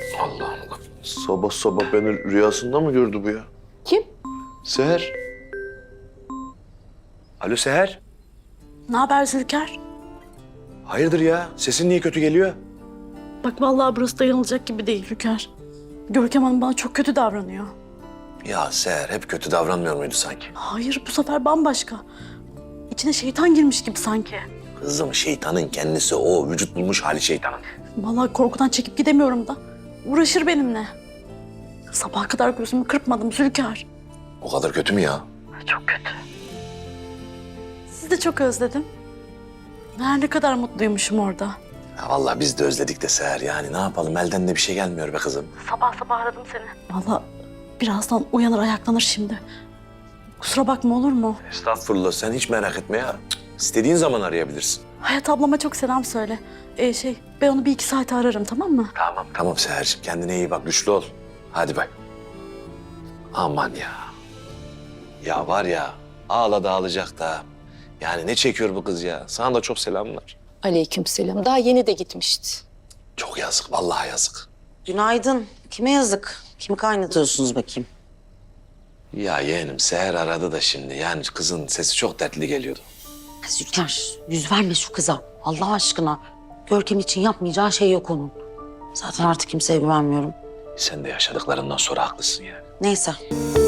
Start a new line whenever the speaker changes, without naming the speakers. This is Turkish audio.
Allah'ım. Sabah sabah beni rüyasında mı gördü bu ya?
Kim?
Seher. Alo Seher.
Ne haber Zülker?
Hayırdır ya? Sesin niye kötü geliyor?
Bak vallahi burası dayanılacak gibi değil Zülker. Görkem Hanım bana çok kötü davranıyor.
Ya Seher hep kötü davranmıyor muydu sanki?
Hayır bu sefer bambaşka. İçine şeytan girmiş gibi sanki.
Kızım şeytanın kendisi o. Vücut bulmuş hali şeytanın.
Vallahi korkudan çekip gidemiyorum da. Uğraşır benimle. Sabaha kadar gözümü kırpmadım Zülker.
O kadar kötü mü ya?
Çok kötü. Sizi de çok özledim. Meğer ne kadar mutluymuşum orada.
Ya vallahi biz de özledik de Seher yani. Ne yapalım elden de bir şey gelmiyor be kızım.
Sabah sabah aradım seni. Vallahi birazdan uyanır ayaklanır şimdi. Kusura bakma olur mu?
Estağfurullah sen hiç merak etme ya. Cık, İstediğin zaman arayabilirsin.
Hayat ablama çok selam söyle. Ben onu bir iki saate ararım tamam mı?
Tamam. Tamam Seher'ciğim kendine iyi bak güçlü ol. Hadi bay. Aman ya. Ya var ya ağladı ağlayacak da. Yani ne çekiyor bu kız ya? Sana da çok selamlar.
Aleykümselam. Daha yeni de gitmişti.
Çok yazık vallahi yazık.
Günaydın. Kime yazık? Kimi kaynatıyorsunuz bakayım?
Ya yeğenim Seher aradı da şimdi. Yani kızın sesi çok dertli geliyordu.
Zülker, yüz verme şu kıza. Allah aşkına. Görkem için yapmayacağı şey yok onun. Zaten artık kimseye güvenmiyorum.
Sen de yaşadıklarından sonra haklısın yani.
Neyse.